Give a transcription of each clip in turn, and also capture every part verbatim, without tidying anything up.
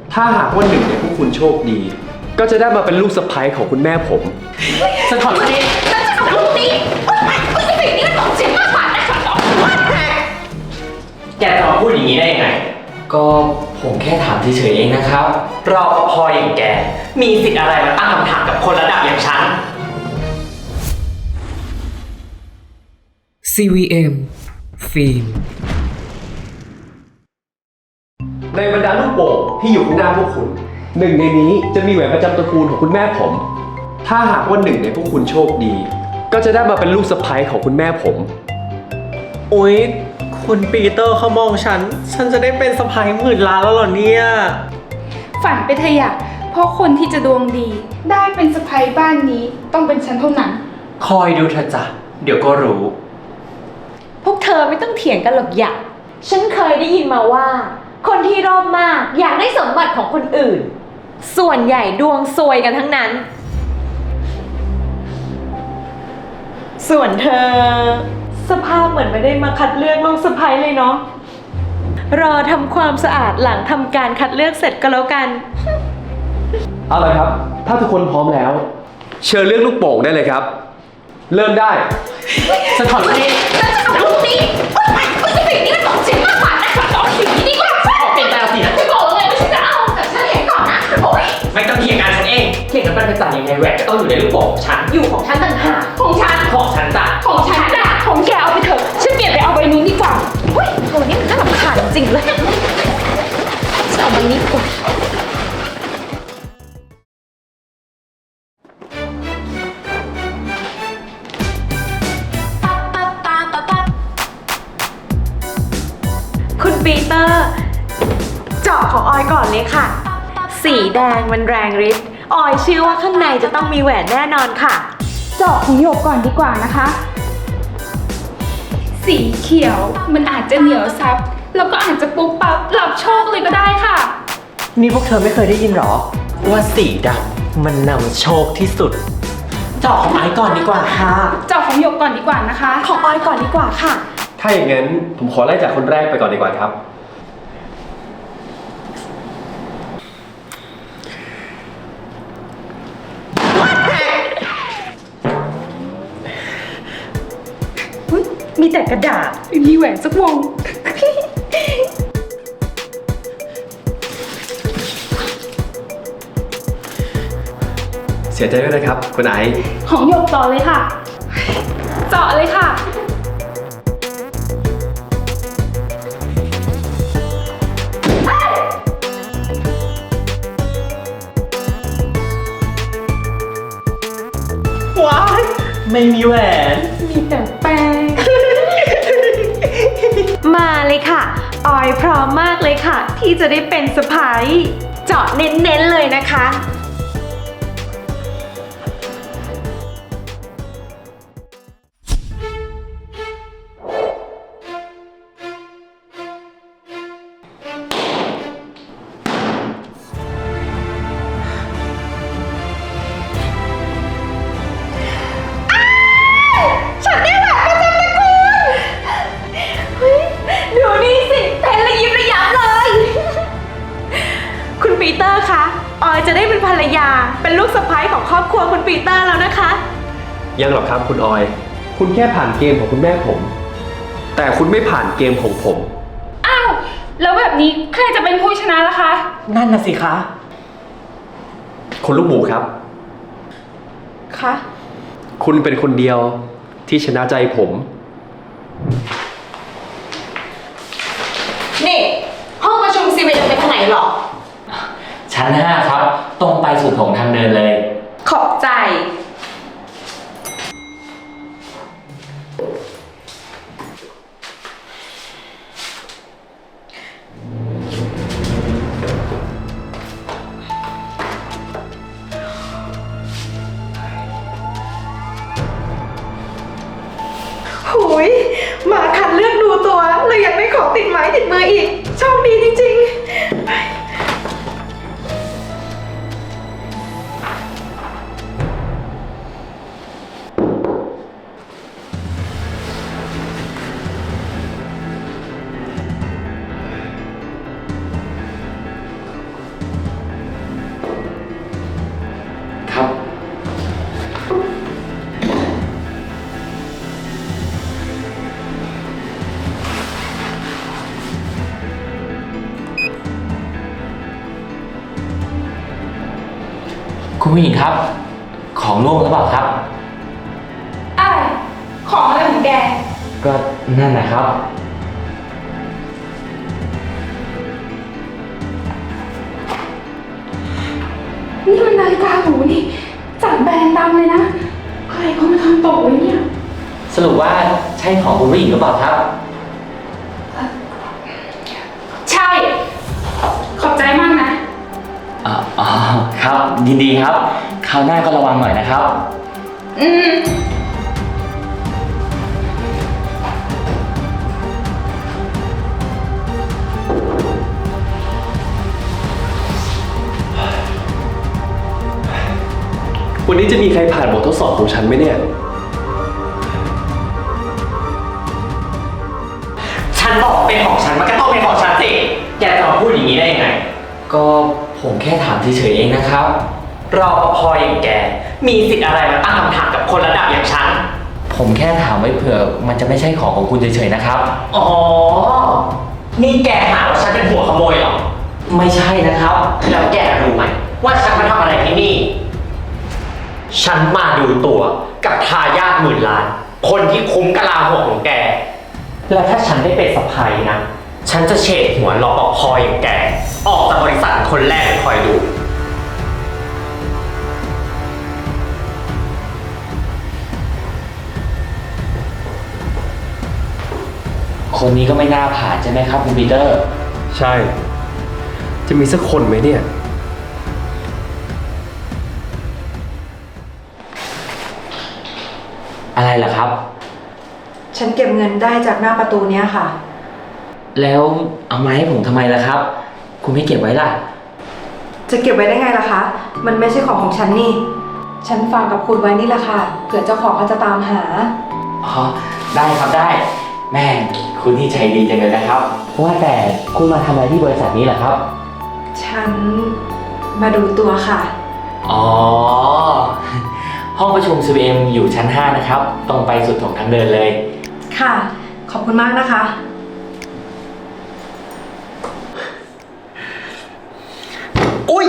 ถ้าหากว่าหนึ่งในพวกคุณโชคดี ก็จะได้มาเป็นลูกสะใภ้ของคุณแม่ผมสะท้อนนี้ฉันจะทำลูกนี้คุณจะสิ่งนี้มันบอกเสียงมากกว่านะฉันบอกว่าแกแกจะมาพูดอย่างนี้ได้ยังไงก็ผมแค่ถามเฉยๆเองนะครับรอปภอย่างแกมีสิทธิ์อะไรมาตั้งคำถามกับคนระดับอย่างฉันซี วี เอ็ม ฟิล์มในบรรดาลูกโป่งที่อยู่ข้างหน้าพวกคุณหนึ่งในนี้จะมีแหวนประจำตระกูลของคุณแม่ผม ถ้าหากว่าหนึ่งในพวกคุณโชคดี ก็จะได้มาเป็นลูกสะใภ้ของคุณแม่ผมอุ๊ยคุณปีเตอร์เขามองฉัน ฉันจะได้เป็นสะใภ้หมื่นล้านแล้วเหรอเนี่ยฝันไปเถอะอยากเพราะคนที่จะดวงดี ได้เป็นสะใภ้บ้านนี้ต้องเป็นฉันเท่านั้นคอยดูเถอะจ้ะเดี๋ยวก็รู้พวกเธอไม่ต้องเถียงกันหรอกอยากฉันเคยได้ยินมาว่า คนที่รอบมากอยากได้สมบัติของคนอื่น ส่วนใหญ่ดวงซวยกันทั้งนั้น ส่วนเธอ สภาพเหมือนไม่ได้มาคัดเลือกลูกสะใภ้เลยเนาะรอทำความสะอาดหลังทำการคัดเลือกเสร็จก็แล้วกันเอาละครับ ถ้าทุกคนพร้อมแล้ว เชิญเลือกลูกโป่งได้เลยครับ เริ่มได้สะท้อนนี้ฉันจะทำลูกนี้คุณจะสิ่งนี้มันบอกเสียงมากกว่านะฉันบอกสิ่งนี้ดีกว่าออกเป็นแปลสินะฉันบอกแล้วไงว่าฉันจะเอาแต่ฉันเห็นก่อนนะโอ๊ยไม่ต้องเถียงกันฉันเองเถียงกันไปจ่ายยังไงแหวนก็ต้องอยู่ในลูกโป่งของฉันอยู่ของฉันต่างหากของฉันของฉันจ้ะของฉันน่ะของแกเอาไปเถอะฉันเปลี่ยนไปเอาใบนู้นดีกว่าเฮ้ยโหนี่มันน่ารำคาญจริงเลยจะเอาใบนี้ดีกว่า คุณปีเตอร์ เจาะของออยก่อนเลยค่ะ สีแดงมันแรงฤทธิ์ออยเชื่อว่าข้างในจะต้องมีแหวนแน่นอนค่ะเจาะของหยกก่อนดีกว่านะคะ สีเขียวมันอาจจะเหนียวซับแล้วก็อาจจะปุ๊บปั๊บรับโชคเลยก็ได้ค่ะนี่พวกเธอไม่เคยได้ยินหรอ ว่าสีดำมันนำโชคที่สุด เจาะของไอ้ก่อนดีกว่าค่ะเจาะของหยกก่อนดีกว่านะคะของออยก่อนดีกว่าค่ะถ้าอย่างนั้นผมขอไล่จากคนแรกไปก่อนดีกว่าครับมีแต่กระดาษมีแหวนสักวงเสียใจด้วยนะครับ คุณไอซ์ของหยกต่อเลยค่ะ เจาะเลยค่ะว้าย ไม่มีแหวนมีแต่แป้งมาเลยค่ะ ออยพร้อมมากเลยค่ะ ที่จะได้เป็นสะพ้ายเจาะเน้นๆเลยนะคะ ฉันได้แหวนประจำตระกูลเฮ้ยดูนี่สิเต้นระยิบระยับเลย คุณปีเตอร์คะ ออยจะได้เป็นภรรยา เป็นลูกสะใภ้ของครอบครัวคุณปีเตอร์แล้วนะคะยังหรอกครับคุณออย คุณแค่ผ่านเกมของคุณแม่ผม แต่คุณไม่ผ่านเกมของผมอ้าว แล้วแบบนี้ใครจะเป็นผู้ชนะล่ะคะนั่นน่ะสิคะคุณลูกหมูครับคะคุณเป็นคนเดียวที่ชนะใจผมนี่ ห้องประชุมซีเวจะไปทางไหนหรอชั้นห้าครับ ตรงไปสู่โถงทางเดินเลยขอบใจ หุยมาคัดเลือกดูตัวเลยอยากได้ของติดไม้ติดมืออีกโชคดีจริงๆคุณผู้หญิงครับ ของร่วงหรือเปล่าครับอะไร ของอะไรของแกก็นั่นนะครับนี่มันนาฬิกาหรูนี่จากแบรนด์ดังเลยนะ ใครเขามาทำตกไว้เนี่ยสรุปว่าใช่ของคุณผู้หญิงหรือเปล่าครับใช่ ขอบใจมากนะอ๋ออ๋อครับ ยินดีครับ คราวหน้าก็ระวังหน่อยนะครับอืมวันนี้จะมีใครผ่านบททดสอบของฉันไหมเนี่ยฉันบอกเป็นของฉันมันก็ต้องเป็นของฉันสิ แกจะมาพูดอย่างนี้ได้ยังไง ก็ผมแค่ถามเฉยๆเองนะครับ รอปภอย่างแก มีสิทธิ์อะไรมาตั้งคำถามกับคนระดับอย่างฉัน ผมแค่ถามไว้เผื่อมันจะไม่ใช่ของของคุณเฉยๆนะครับ อ๋อ นี่แกหาว่าฉันเป็นหัวขโมยเหรอ ไม่ใช่นะครับ แล้วแกรู้ไหมว่าฉันมาทำอะไรที่นี่ ฉันมาดูตัวกับทายาทหมื่นล้าน คนที่คุ้มกะลาหัวของแก และถ้าฉันได้เป็นสะพ้ายนะ ฉันจะเฉดหัวรอปภอย่างแก ออกจากบริษัทคนแรกเลยคอยดู คนนี้ก็ไม่น่าผ่านใช่ไหมครับคุณปีเตอร์ใช่ จะมีสักคนไหมเนี่ยอะไรล่ะครับฉันเก็บเงินได้จากหน้าประตูเนี้ยค่ะแล้วเอามาให้ผมทำไมล่ะครับ คุณไม่เก็บไว้ล่ะจะเก็บไว้ได้ไงล่ะคะ มันไม่ใช่ของของฉันนี่ ฉันฝากกับคุณไว้นี่แหละค่ะ เผื่อเจ้าของเขาจะตามหาอ๋อ ได้ครับได้ แม่คุณที่ใจดีจังเลยนะครับ ว่าแต่คุณมาทำอะไรที่บริษัทนี้เหรอครับฉันมาดูตัวค่ะอ๋อ ห้องประชุม ซี บี เอ็ม อยู่ชั้น ห้า นะครับ ตรงไปสุดของทางเดินเลยค่ะ ขอบคุณมากนะคะอุ้ย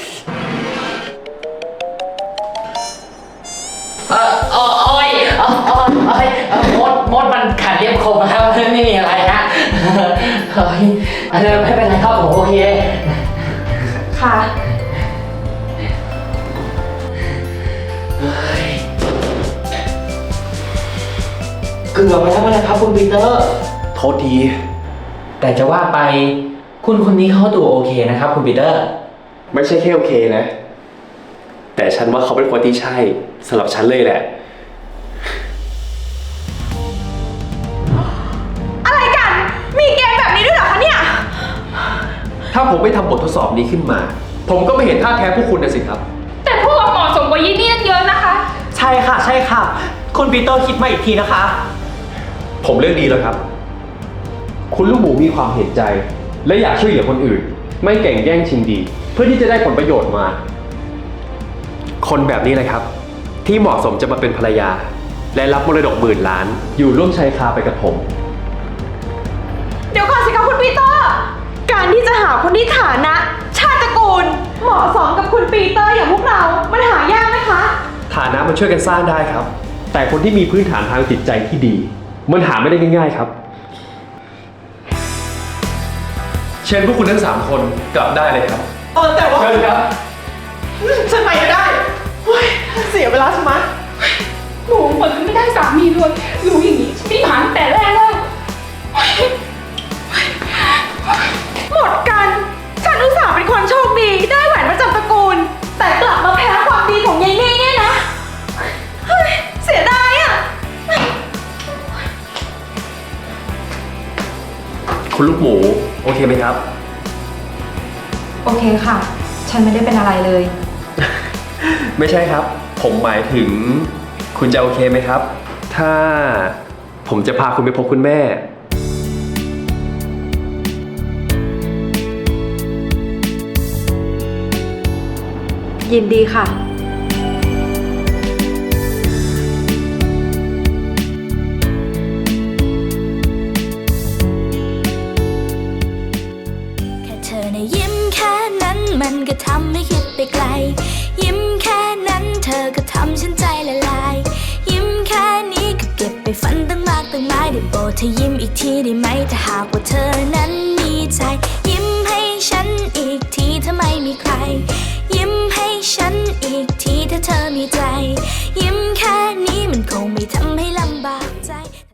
เออเออโอ้ยเออเออเอ้ยเออมดมดมันขัดเรียบคมนะครับไม่มีอะไรฮะเฮ้ยเออไม่เป็นไรครับผมโอเคค่ะเกือบไปแล้วนะครับคุณปีเตอร์โทษทีแต่จะว่าไปคุณคนนี้เขาดูโอเคนะครับคุณปีเตอร์ไม่ใช่แค่โอเคนะ แต่ฉันว่าเขาเป็นคนที่ใช่สำหรับฉันเลยแหละอะไรกัน มีเกมแบบนี้ด้วยเหรอคะเนี่ยถ้าผมไม่ทำบททดสอบนี้ขึ้นมา ผมก็ไม่เห็นท่าแท้พวกคุณนะสิครับแต่พวกเราเหมาะสมกว่ายี่นี่เยอะนะคะใช่ค่ะ ใช่ค่ะ คุณปีเตอร์คิดมาอีกทีนะคะผมเลือกดีแล้วครับ คุณลูกหมูมีความเห็นใจ และอยากช่วยเหลือคนอื่น ไม่แก่งแย่งชิงดี เพื่อที่จะได้ผลประโยชน์มา คนแบบนี้เลยครับ ที่เหมาะสมจะมาเป็นภรรยา และรับมรดกหมื่นล้าน อยู่ร่วมชายคาไปกับผมเดี๋ยวก่อนสิคะคุณปีเตอร์ การที่จะหาคนที่ฐานะ ชาติตระกูล เหมาะสมกับคุณปีเตอร์อย่างพวกเรา มันหายากไหมคะฐานะมันช่วยกันสร้างได้ครับ แต่คนที่มีพื้นฐานทางจิตใจที่ดี มันหาไม่ได้ง่ายๆครับ เชิญพวกคุณทั้งสามคนกลับได้เลยครับเออแต่ว่าเชิญครับฉันไปไม่ได้เฮ้ยเสียเวลาใช่ไหมหนูเหมือนไม่ได้สามีเลยรู้อย่างนี้ฉันไม่ผ่านตั้งแต่แรกแล้วหมดกัน ฉันอุตส่าห์เป็นคนโชคดี ได้แหวนประจำตระกูล แต่กลับมาแพ้ความดีของยายนี่เนี่ยนะเฮ้ยเสียดายอ่ะคุณลูกหมู โอเคไหมครับโอเคค่ะ ฉันไม่ได้เป็นอะไรเลยไม่ใช่ครับ ผมหมายถึง คุณจะโอเคไหมครับ ถ้าผมจะพาคุณไปพบคุณแม่ยินดีค่ะแค่เธอในะยิ้มแค่นั้นมันก็ทำให้คิดไปไกล ยิ้มแค่อก็ทำฉันใจละลายยิ้มแค่นี้ก็เก็บไปฝันตั้งมากตั้งหลายได้โปรดเธอยิ้มอีกทีได้ไหมถ้าหากว่าเธอนั้นมีใจยิ้มให้ฉันอีกทีถ้าไม่มีใครยิ้มให้ฉันอีกทีถ้าเธอมีใจ